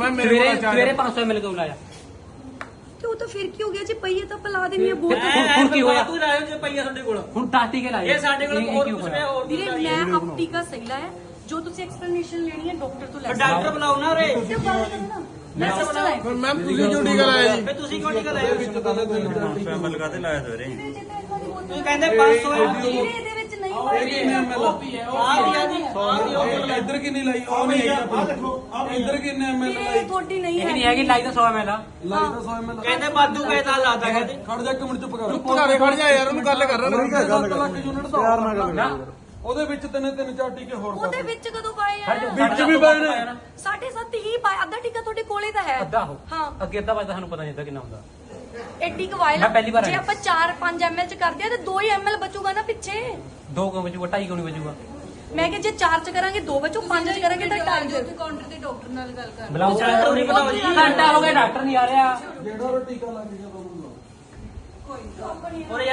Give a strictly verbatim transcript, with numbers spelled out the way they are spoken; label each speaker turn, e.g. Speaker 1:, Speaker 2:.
Speaker 1: ਸਵੇਰੇ ਸਵੇਰੇ ਪੰਜ ਸੌ ਐਮਐਲ ਕਿਉਂ ਲਾਇਆ?
Speaker 2: ਤੇ ਉਹ ਤਾਂ ਫਿਰ ਕੀ ਹੋ ਗਿਆ ਜੀ? ਪਈਏ ਤਾਂ ਪਿਲਾ ਦੇਣੀ ਹੈ ਬਹੁਤ।
Speaker 1: ਹੁਣ ਕੀ ਹੋਇਆ?
Speaker 3: ਤੂੰ ਲਾਇਓ ਜੇ ਪਈਆ ਸਾਡੇ ਕੋਲ
Speaker 1: ਹੁਣ ਦਸ ਟੀਕੇ ਲਾਏ
Speaker 3: ਇਹ ਸਾਡੇ ਕੋਲ ਹੋਰ ਕੁਝ ਨਹੀਂ ਹੋਰ
Speaker 2: ਵੀਰੇ ਮੈਂ ਆਪਟੀ ਦਾ ਸਹੀ ਲਾਇਆ। ਜੋ ਤੁਸੀਂ ਐਕਸਪਲੇਨੇਸ਼ਨ ਲੈਣੀ ਹੈ ਡਾਕਟਰ ਤੋਂ ਲੈ ਸਕਦੇ
Speaker 3: ਡਾਕਟਰ ਬੁਲਾਓ ਨਾ ਰੇ
Speaker 2: ਮੈਂ ਸਿਸਟਰ ਹੈ।
Speaker 4: ਫਿਰ ਮੈਮ ਤੁਸੀਂ ਕਿਉਂ ਟੀਕਾ ਲਾਇਆ ਜੀ?
Speaker 3: ਫੇ ਤੁਸੀਂ ਕਿਉਂ ਟੀਕਾ ਲਾਇਆ?
Speaker 5: ਐਮਐਲ ਕਾਤੇ ਲਾਇਆ ਸਵੇਰੇ?
Speaker 3: ਤੂੰ ਕਹਿੰਦੇ ਪੰਜ ਸੌ
Speaker 2: ਵੀਰੇ ਇਹਦੇ ਵਿੱਚ ਨਹੀਂ ਹੋਏਗਾ।
Speaker 3: ਆ ਦੀ
Speaker 4: ਇੱਧਰ ਕਿੰਨੀ ਲਾਈ? ਉਹ ਨਹੀਂ ਹੈਗੀ। ਇੱਧਰ ਕਿੰਨੇ ਐਮਐਲ
Speaker 2: ਵੀਰੇ ਤੁਹਾਡੀ ਨਹੀਂ
Speaker 1: ਇਹ ਨਹੀਂ
Speaker 2: ਹੈ।
Speaker 1: ਹੈਗੀ ਲਾਈ ਤਾਂ ਸੌ ਐਮਐਲ ਆ।
Speaker 4: ਲਾਈ ਤਾਂ ਸੌ ਐਮਐਲ
Speaker 3: ਕਹਿੰਦੇ ਬਾਦੂ ਕਹਿਤਾ ਲਾਤਾ ਕਹਿੰਦੇ
Speaker 4: ਖੜ ਜਾ ਇੱਕ ਮਿੰਟ ਚੁੱਪ ਕਰ।
Speaker 5: ਚੁੱਪ ਘਰੇ ਖੜ ਜਾ ਯਾਰ, ਉਹਨੂੰ ਗੱਲ ਕਰ ਰਿਹਾ ਨਾ।
Speaker 4: ਸੱਤ ਲੱਖ ਯੂਨਿਟ ਦਾ
Speaker 5: ਪਿਆਰ ਨਾਲ ਗੱਲ ਕਰ।
Speaker 4: ਉਹਦੇ ਵਿੱਚ ਤਿੰਨ ਤਿੰਨ ਚਾਰ ਟੀਕੇ ਹੋਰ
Speaker 2: ਉਹਦੇ ਵਿੱਚ ਕਦੋਂ ਪਾਏ ਆ?
Speaker 4: ਵਿੱਚ ਵੀ ਪਾਏ ਨੇ।
Speaker 2: ਸਾਢੇ ਸੱਤ ਹੀ ਪਾਇਆ। ਅੱਧਾ ਟੀਕਾ ਤੁਹਾਡੇ ਕੋਲੇ ਤਾਂ ਹੈ।
Speaker 1: ਅੱਧਾ ਹੋ
Speaker 2: ਹਾਂ
Speaker 1: ਅੱਗੇ ਅੱਧਾ ਵੱਜਦਾ ਸਾਨੂੰ ਪਤਾ ਨਹੀਂ ਹੁੰਦਾ ਕਿੰਨਾ ਹੁੰਦਾ।
Speaker 2: ਐਡੀ ਕਵਾਇਲ
Speaker 1: ਮੈਂ ਪਹਿਲੀ ਵਾਰ
Speaker 2: ਜੇ
Speaker 1: ਆਇਆ।
Speaker 2: ਆਪਾਂ ਚਾਰ ਪੰਜ ਐਮਐਲ ਚ ਕਰਦੇ ਆ ਤੇ ਦੋ ਹੀ ਐਮਐਲ ਬਚੂਗਾ ਨਾ ਪਿੱਛੇ।
Speaker 1: ਦੋ ਕਿਉਂ ਵਜੂਗਾ? ਢਾਈ ਕਿਉਂ ਨਹੀਂ ਵਜੂਗਾ?
Speaker 2: ਮੈਂ ਕਿ ਜੇ ਚਾਰ ਚ ਕਰਾਂਗੇ ਦੋ ਬਚੂ, ਪੰਜ ਚ ਕਰਾਂਗੇ ਤਾਂ ਢਾਈ ਚ।
Speaker 6: ਕਾਊਂਟਰ ਤੇ ਡਾਕਟਰ ਨਾਲ ਗੱਲ ਕਰ।
Speaker 1: ਬੁਲਾਓ
Speaker 3: ਡਾਕਟਰ ਨਹੀਂ ਬੁਲਾਓ ਜੀ।
Speaker 1: ਘੰਟਾ ਹੋ ਗਿਆ ਡਾਕਟਰ ਨਹੀਂ ਆ ਰਿਹਾ।
Speaker 4: ਜਿਹੜਾ ਉਹ ਟੀਕਾ ਲੱਗ ਗਿਆ ਤੁਹਾਨੂੰ
Speaker 3: ਔਰ